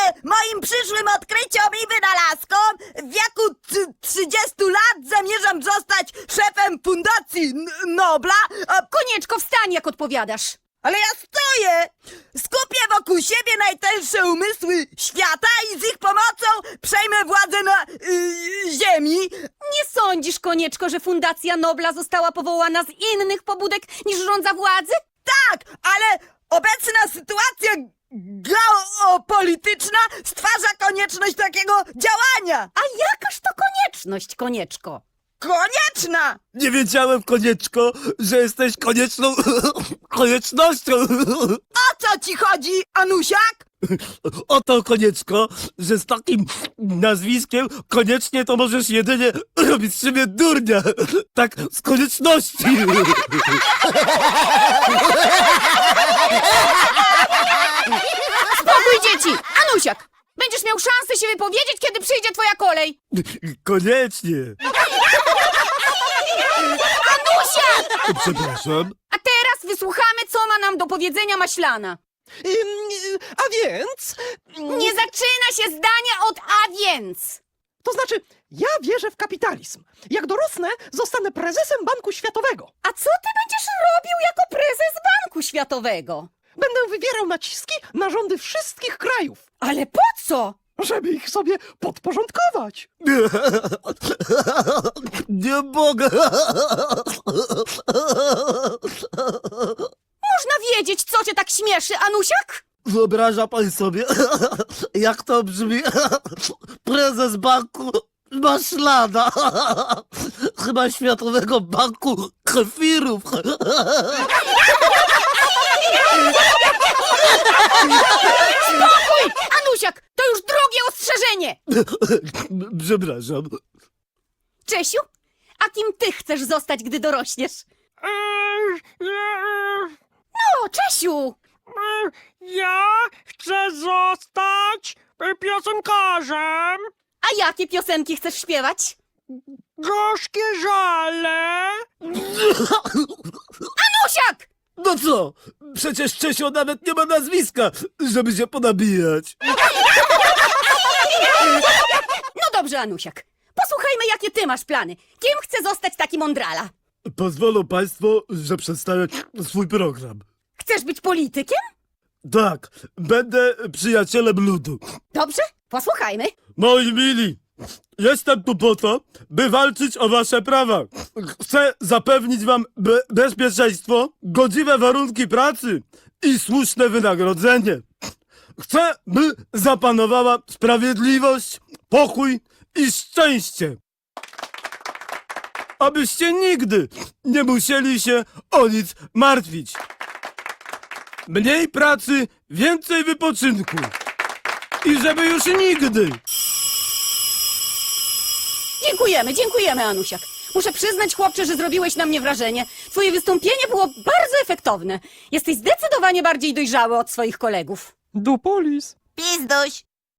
moim przyszłym odkryciom i wynalazkom w wieku 30 lat zamierzam zostać szefem fundacji Nobla. Konieczko, wstań, jak odpowiadasz. Ale ja stoję! Skupię wokół siebie najtęższe umysły świata i z ich pomocą przejmę władzę na ziemi. Nie sądzisz, Konieczko, że Fundacja Nobla została powołana z innych pobudek niż żądza władzy? Tak, ale obecna sytuacja geopolityczna stwarza konieczność takiego działania. A jakaż to konieczność, Konieczko? Konieczna! Nie wiedziałem, Konieczko, że jesteś konieczną koniecznością. O co ci chodzi, Anusiak? Oto, Konieczko, że z takim nazwiskiem koniecznie to możesz jedynie robić z siebie durnia. Tak, z konieczności. Spokój, dzieci! Anusiak! Będziesz miał szansę się wypowiedzieć, kiedy przyjdzie twoja kolej! Koniecznie. Anusiak! Przepraszam. A teraz wysłuchamy, co ma nam do powiedzenia Maślana. A więc... Nie zaczyna się zdanie od a więc! To znaczy, ja wierzę w kapitalizm. Jak dorosnę, zostanę prezesem Banku Światowego. A co ty będziesz robił jako prezes Banku Światowego? Będę wywierał naciski na rządy wszystkich krajów, Ale po co? żeby ich sobie podporządkować. Nie mogę. Można wiedzieć, co cię tak śmieszy, Anusiak? Wyobraża pan sobie, jak to brzmi? Prezes banku Maślana. Chyba Światowego Banku Kefirów. Spokój! Anusiak, to już drugie ostrzeżenie! Przepraszam. Czesiu, a kim ty chcesz zostać, gdy dorośniesz? No, Czesiu! Ja chcę zostać piosenkarzem. A jakie piosenki chcesz śpiewać? Gorzkie żale. Anusiak! No co? Przecież Czesio nawet nie ma nazwiska, żeby się ponabijać. No dobrze, Anusiak. Posłuchajmy, jakie ty masz plany. Kim chce zostać taki mądrala? Pozwolą państwo, że przedstawię swój program. Chcesz być politykiem? Tak, będę przyjacielem ludu. Dobrze, posłuchajmy. Moi mili, jestem tu po to, by walczyć o wasze prawa. Chcę zapewnić wam bezpieczeństwo, godziwe warunki pracy i słuszne wynagrodzenie. Chcę, by zapanowała sprawiedliwość, pokój i szczęście. Abyście nigdy nie musieli się o nic martwić. Mniej pracy, więcej wypoczynku. I żeby już nigdy. Dziękujemy, Anusiak. Muszę przyznać, chłopcze, że zrobiłeś na mnie wrażenie. Twoje wystąpienie było bardzo efektowne. Jesteś zdecydowanie bardziej dojrzały od swoich kolegów. Dupolis. Pizduś.